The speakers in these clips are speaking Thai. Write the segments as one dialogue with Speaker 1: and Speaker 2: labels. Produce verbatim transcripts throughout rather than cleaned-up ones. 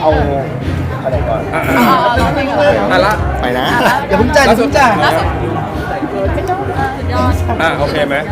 Speaker 1: เอาอะไรก่อน
Speaker 2: อ่ะร้องเพลงก่อน
Speaker 3: อ่ะละ
Speaker 1: ไปนะอย่าเพิ่งจ่ายอย่าเพิ่งจ่าย
Speaker 2: ล่าสุดสุดยอด
Speaker 3: อ่ะโอเคไหม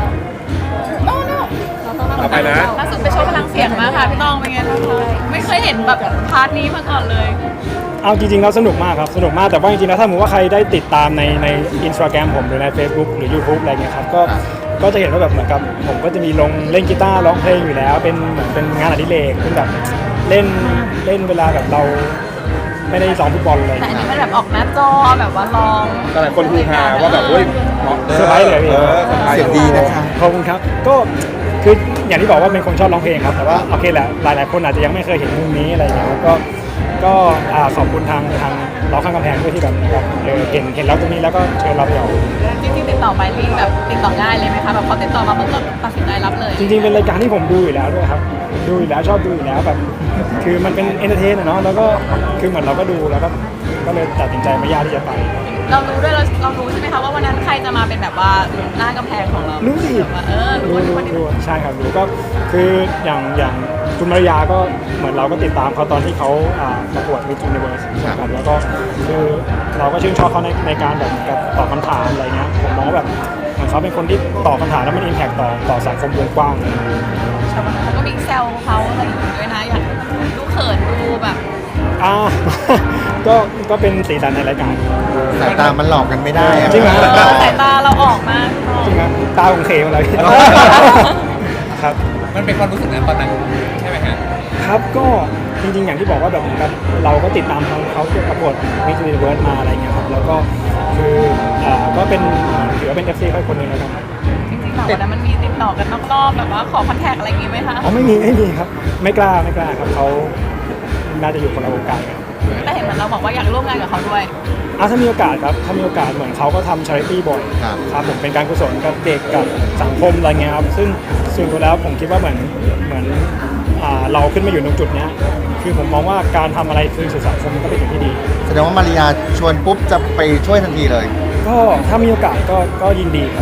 Speaker 3: เอาไปนะ
Speaker 2: ล่าสุดไปโชว์พลังเสียงมาค่ะพี่ต้องเป็นไงบ้างคะไม่เคยเห็นแบบพาร์ทนี้มาก่อนเลย
Speaker 4: เอาจริงๆแล้วสนุกมากครับสนุกมากแต่ว่าจริงๆแล้วถ้าสมมติว่าใครได้ติดตามในใน Instagram ผมหรือใน Facebook หรือ YouTube อะไรเงี้ยครับก็ก็จะเห็นว่าแบบเหมือนกับผมก็จะมีลงเล่นกีตาร์ร้องเพลงอยู่แล้วเป็นเหมือนเป็นงานอดิเรกเป็นแบบเล่นเล่นเวลาแบบเราไม่ได้ซ้อมฟุตบอลเลย
Speaker 2: แต่อันนี้มันแบบออกหน้าจอแบบว่าลอง
Speaker 3: ก็หลายคนฮือฮาว่าแบบเฮ้ยเหมาะ
Speaker 4: เซอร์ไพรส์เลยพี่
Speaker 3: เออเซอร์ไพรส์
Speaker 1: เสียงดีนะคะ
Speaker 4: ขอบคุณครับก็คืออย่างที่บอกว่าเป็นคนชอบร้องเพลงครับแต่ว่าโอเคแหละหลายๆคนอาจจะยังไม่เคยเห็นมุมนี้อะไรอย่างเงี้ยครับก็ก็อ่าขอบคุณทางทางเราข้างกำแพงด้วยที่แบบแบบเออเห็นเห็นเราตรงนี้แล้วก็เชิญเราไปออก
Speaker 2: จริงๆติดต่อไปรีบแบบติดต่อง่ายเลยไหมคะแบบพอติดต่อมาเมื่อก็ตัดสินใจรับเลย
Speaker 4: จริงๆเป็นรายการที่ผมดูอยู่แล้วด้วยครับดูอยู่แล้วชอบดูอยู่แล้วแบบคือมันเป็นเอนเตอร์เทนอะเนาะแล้วก็คือเหมือนเราก็ดูแล้วก็ก็เลยตัดสินใจไม่ยากที่จะไป
Speaker 2: เรารู้ด้วยเราเรารู้ใช่ไหมคะว่าวันนั้นใครจะมาเป็นแบบว่าหน้ากำแพงของเรา
Speaker 4: รู้สิ
Speaker 2: แบบว่าเออรู้
Speaker 4: รู้
Speaker 2: ว่า
Speaker 4: รู้รู้ใช่ครับรู้ก็คืออย่างอย่างคุณมารยาก็เหมือนเราก็ติดตามเขาตอนที่เขาอ่าประกวด Miss Universe ครับแล้วก็คือเราก็ชื่นชอบเขาในในการแบบเหมือนกับตอบคำถามอะไรเงี้ยผมมองว่าแบบเหมือนเขาเป็นคนที่ตอบคำถามแล้วมันอิมแพคต่อต่อสังคมวงกว้างเลย
Speaker 2: ชาวบ้านก็มีแซวเขาอะไรอย่างงี้ด้วยนะอยากดูเขินดูแบบ
Speaker 4: อ่า ก็ก็เป็นสีสันในรายการ
Speaker 1: สายตามันหลอกกันไม่ได้อะ
Speaker 4: จริงเหรอ
Speaker 2: สายตาเราออกมาก
Speaker 4: จริงครับตาของเคมาเลยครับ
Speaker 3: มันเป็นความรู้สึกนั้นตอนนั้นใช่ไหมฮะ
Speaker 4: ครับก็จริงๆอย่างที่บอกว่าแบบเหมือนกับเราก็ติดตามเขาเขาประกวดมิสยูนิเวิร์สมาอะไรเงี้ยครับแล้วก็คืออ่าก็เป็นถือว่าเป็น เอฟ ซี ค่อยคนหนึ่งแล้วกัน
Speaker 2: จริงๆแบบวันนั้นมันมีติดต่อกันนอกรอบแบบว่าขอคอนแทคอะไรอย่างงี้ไหมคะ
Speaker 4: อ๋อไม่มีไม่มีครับไม่กล้าไม่กล้าครับเขาน่าจะอยู่คนละวงการกัน
Speaker 2: แต่เห็นเหมือนเราบอกว่าอยากร่วมงานกับเขาด้วย
Speaker 4: อ่ะถ้ามีโอกาสครับถ้ามีโอกาสเหมือนเขาก็ทำชาริตี้บ่อย
Speaker 1: ครับ
Speaker 4: ครับผมเป็นการกุศลกับเด็กกับสังคมอะไรเงี้ยครับซึ่งส่วนตัวแล้วผมคิดว่าเหมือนเหมือนอ่าเราขึ้นมาอยู่ตรงจุดเนี้ยคือผมมองว่าการทำอะไรคืนสู่สังคมมันก็เป็นสิ่งที่ดี
Speaker 1: แสดงว่ามาริยาชวนปุ๊บจะไปช่วยทันทีเลย
Speaker 4: ก็ถ้ามีโอกาสก็ก็ยินดีครับ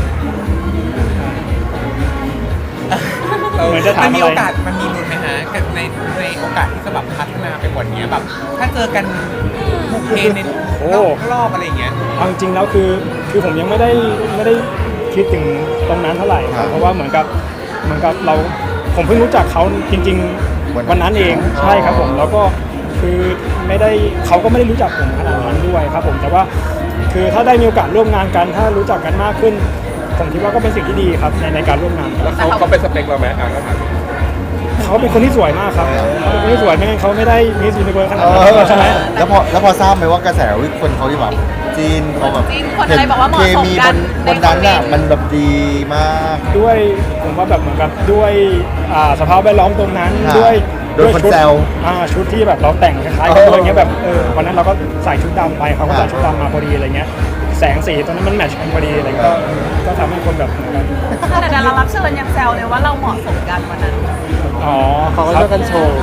Speaker 4: เหมือนจะถาม
Speaker 5: มันมี
Speaker 4: อะไร
Speaker 5: โอกาสมันมีลุ้นไหมฮะกับในในโอกาสที่จะแบบพัฒนาไปกว่านี้แบบถ้าเจอกันบุกเพใน
Speaker 4: โอ้
Speaker 5: นอกรอบอะไรอย่างเงี้ย
Speaker 4: เอาจริงๆแล้วคือคือผมยังไม่ได้ไม่ได้คิดถึงตรงนั้นเท่าไหร่ครับเพราะว่าเหมือนกับเหมือนกับเราผมเพิ่งรู้จักเขาจริง ๆ วันนั้นเองใช่ครับผมแล้วก็คือไม่ได้เขาก็ไม่ได้รู้จักผมขนาดนั้นด้วยครับผมแต่ว่าคือถ้าได้มีโอกาสร่วมงานกัน ถ้ารู้จักกันมากขึ้น ผมคิดว่าก็เป็นสิ่งที่ดีครับในในการร่วมงานกัน
Speaker 3: แล้วเขาเขาเป็นสเปคเราไหมอ่ะก็ถาม
Speaker 4: เขาเป็นคนที่สวยมากครับเขาเป็นคนที่สวยไม่งั้นเขาไม่ได้มิสยูนิเวิร์สขนาด
Speaker 1: เอ
Speaker 4: นั้น
Speaker 1: อ
Speaker 4: ใช่ไหม
Speaker 1: แล้วพอแล้วพอทราบไหมว่ากระแสวิคนเขาที่แบบจีนเขาแบบ
Speaker 2: จีนคนอะไรบอกว่าเหมาะ
Speaker 1: เค
Speaker 2: สม
Speaker 1: มี
Speaker 2: กับ น
Speaker 1: นบน
Speaker 2: ใน
Speaker 1: นั้นน่ะ
Speaker 2: คอมเมนต์
Speaker 1: มันแบบดีมาก
Speaker 4: ด้วยผมว่าแบบเหมือนกับด้วยอ่าสภาพแวดล้อมตรงนั้น
Speaker 1: ครับ
Speaker 4: ด้วย
Speaker 1: โดยคน
Speaker 4: ชุด
Speaker 1: แซว
Speaker 4: อ่าชุดที่แบบเราแต่งคล้ายๆ
Speaker 1: เอ
Speaker 4: กัน
Speaker 1: อ
Speaker 4: อะไรเงี้ยแบบเออวันนั้นเราก็ใส่ชุดดำไปเขาก็
Speaker 1: ครั
Speaker 4: ใส่
Speaker 1: บ
Speaker 4: ชุดดำมาพอดีอะไรเงี้ยแสงสีตรงนั้นมันแมทช์กันพอดีอะไรเงี้ยก็ก็ทำให้คนแบบเหมือนกัน
Speaker 2: แต่ดารารับเชิญยังแซวเลยว่าเราเหมาะสมกันวันนั้น
Speaker 4: อ๋อ
Speaker 1: เขาก็เลือกกันโชว์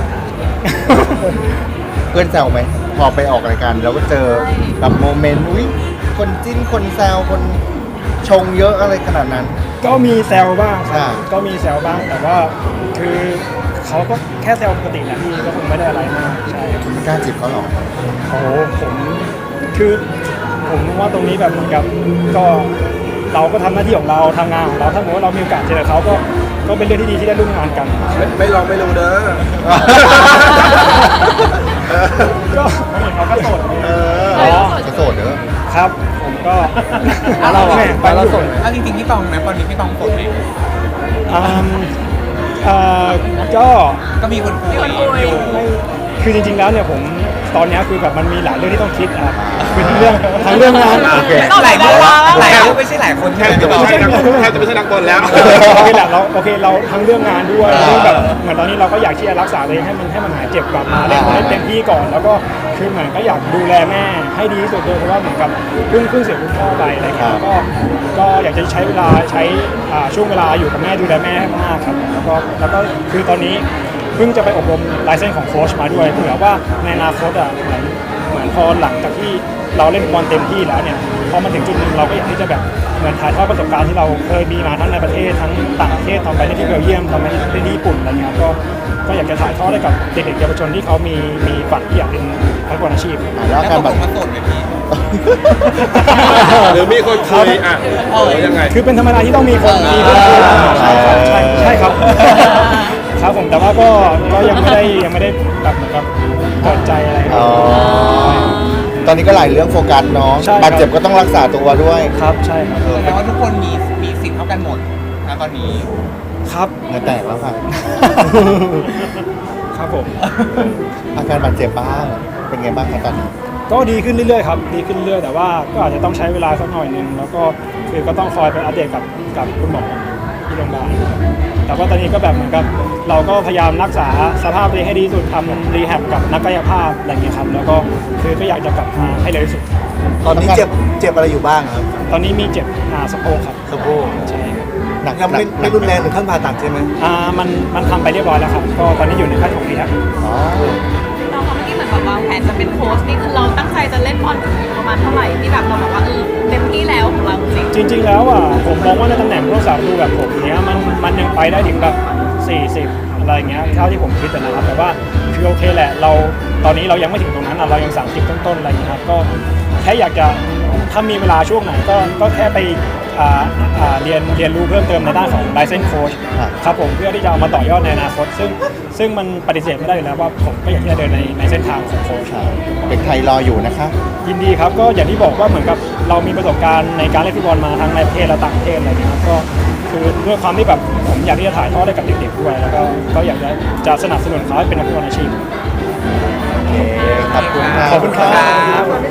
Speaker 1: เพื่อนแซวไหมพอไปออกรายการแล้วก็เจอแบบโมเมนต์อุ้ยคนจิ้นคนแซวคนชงเยอะอะไรขนาดนั้น
Speaker 4: ก็มีแซวบ้างครับ
Speaker 1: อ่า
Speaker 4: ก็มีแซวบ้างแต่ว่าคือเขาก็แค่แซวปกติแหละพี่ก็คงไม่ได้อะไรมากใช่
Speaker 1: คุณไม่กล้าจีบเขาหรอ
Speaker 4: โอ้โหผมคือผมว่าตรงนี้แบบเหมือนกับก็เราก็ทำหน้าที่ของเราทำงานของเราถ้าสมมติว่าเรามีโอกาสเจอเขาก็ก็เป็นเรื่องที่ดีที่ได้ร่วมงานกัน
Speaker 3: ไม่ไม่ลองไม่รู้เด้อ
Speaker 4: ก็เขาก็โสด
Speaker 1: เออ
Speaker 4: อ๋อ
Speaker 1: จะโสดเด้อ
Speaker 4: ครับ ผมก็
Speaker 5: แล้วเราอะ
Speaker 4: แม่ไปเราโสด
Speaker 5: เอาจริงๆพี่ตองนะตอนนี้พี่ตองโสดไหม
Speaker 4: อืมเอ่อก็
Speaker 5: ก็มีคนคุย
Speaker 2: มีคนคุย
Speaker 5: อยู่
Speaker 4: ไม่คือจริงๆแล้วเนี่ยผมตอนเนี้ยคือแบบมันมีหลายเรื่องที่ต้องคิดอ่ะคือทั้งเรื่องทั้งเรื่องงาน
Speaker 1: โอเค
Speaker 5: หลายคนหลายคนไม่ใช่หลายคน
Speaker 3: แท
Speaker 5: ใช่ไหม
Speaker 3: บจะ
Speaker 5: พี่ตอง
Speaker 3: ไม่ใช่นักแทบจะไม่ใช่นักบอลแล้ว
Speaker 4: โอเคแหละเราโอเคเราทั้งเรื่องงานด้วยเรื่องแบบเหมือนตอนนี้เราก็อยากที่จะรักษาตัวเองให้มันให้มันหายเจ็บกลับมาเล่นให้เต็มที่ก่อน แล้วก็คือเหมือนก็อยากดูแลแม่ให้ดีที่สุดด้วยเพราะว่าเหมือนกับเพิ่งเพิ่งเสียคุณพ่อไปอะไรเงี้ยก็ก็อยากจะใช้เวลาใช้อ่าช่วงเวลาอยู่กับแม่ดูแลแม่ให้มากครับแล้วก็แล้วก็คือตอนนี้เพิ่งจะไปอบรมไลเซนส์ของโค้ชมาด้วยเผื่อว่าในอนาคตอ่ะเหมือนเหมือนพอหลังจากที่เราเล่นบอลเต็มที่แล้วเนี่ยพอมาถึงจุดหนึ่งเราก็อยากที่จะแบบเหมือนถ่ายทอดประสบการณ์ที่เราเคยมีมาทั้งในประเทศทั้งต่างประเทศตอนไปเล่นที่เบลเยียมตอนไปเล่นที่ญี่ปุ่นอะไรเงี้ยก็ก็อยากจะถ่ายทอดให้กับเด็กๆเยาวชนที่เขามีมีฝันที่อยากเป็นนักบอลอาชีพ
Speaker 1: อ่ะแล้ว
Speaker 5: แล้ว
Speaker 1: การ
Speaker 5: ต
Speaker 1: บั
Speaker 5: ก
Speaker 1: ต
Speaker 5: ลงมาโสดไหมพี่
Speaker 3: หรือมีคนคุยอ่ะหรือยังไง
Speaker 4: คือเป็นธรรมดาที่ต้องมีคนมีเพื่อนคุยใช่ครับใช่ใช่ครับ ครับผมแต่ว่าก็ก็ยังไม่ได้ยังไม่ได้แบบเหมือนกับเปิดใจอะไร
Speaker 1: อ๋อตอนนี้ก็หลายเรื่องโฟกัสเนาะ
Speaker 4: ใช่ครับ
Speaker 1: บาดเจ็บก็ต้องรักษาตัวด้วย
Speaker 4: ครับใช่ครับ
Speaker 5: แสดงว่าทุกคนมีมีสิทธิ์เท่ากันหมดนะตอนนี้
Speaker 4: ครับ
Speaker 1: เหงื่อแตกแล้วค่ะ
Speaker 4: ครับผม
Speaker 1: อาการบาดเจ็บบ้างเป็นไงบ้างครับตอนนี้
Speaker 4: ก็ดีขึ้นเรื่อยๆครับดีขึ้นเรื่อยๆแต่ว่าก็อาจจะต้องใช้เวลาสักหน่อยหนึงแล้วก็คือก็ต้องคอยไปอัปเดตกับกับคุณหมอที่โรงพยาบาลแต่ว่าตอนนี้ก็แบบเหมือนกับเราก็พยายามรักษาสภาพตัวเองให้ดีที่สุดทำรีแฮบกับนักกายภาพอะไรอย่างเงี้ยครับแล้วก็คือก็อยากจะกลับมาให้เร็วที่สุด
Speaker 6: ตอนนี้เจ็บเจ็บอะไรอยู่บ้างครับ
Speaker 4: ตอนนี้มีเจ็บอ่าสะโพกครับ
Speaker 6: สะโพก
Speaker 4: ใช่ครับ
Speaker 1: หนัก
Speaker 6: ยังไม่
Speaker 1: หนัก
Speaker 6: ไม่รุนแรงถึงขั้นผ่าตัดใช่ไหม
Speaker 4: อ่ามันมันทำไปเรียบร้อยแล้วครับก็ตอนนี้อยู่ในขั้นของรีแฮบ
Speaker 1: อ๋อ
Speaker 2: พี่ต้องคะเมื่อกี้เหมือนแบบวางแผนจะเป็นโค้ชนี่คือเราตั้งใจจะเล่นบอลถึงประมาณเท่าไหร่ที่แบบเราบอกว่าเออเต็มที่แล้วของเราจริง
Speaker 4: จริง ๆ แล้วอ่ะผมมองว่าในตำแหน่งผู้รักษาประตูแบบผมเนี้ยมันมันยังไปได้ถึงแบบสี่สิบอะไรเงี้ยเท่าที่ผมคิดอะนะครับแต่ว่าคือโอเคแหละเราตอนนี้เรายังไม่ถึงตรงนั้นอะเรายังสามสิบต้นๆอะไรเงี้ยครับก็แค่อยากจะถ้ามีเวลาช่วงไหนก็ก็แค่ไปอ่าอ่าเรียนเรียนรู้เพิ่มเติมในด้านของ license coach ครับผมเพื่อที่จะเอามาต่อยอดในอนาคตซึ่งซึ่งมันปฏิเสธไม่ได้อยู่แล้วว่าผมก็อยากที่จะเดินในในเส้นทางของโค้ช
Speaker 1: เด็กไทยรออยู่นะคะ
Speaker 4: ยินดีครับก็อย่างที่บอกว่าเหมือนกับเรามีประสบการณ์ในการเล่นฟุตบอลมาทั้งในประเทศและต่างประเทศอะไรเงี้ยครับก็คือด้วยความที่แบบผมอยากที่จะถ่ายทอดให้กับเด็กๆด้วยแล้วก็ก็อยากจะจะสนับสนุนเขาให้เป็นนักฟุตบอลอาชีพ
Speaker 1: โอเคขอบคุณค่ะ
Speaker 4: ขอบคุณครับ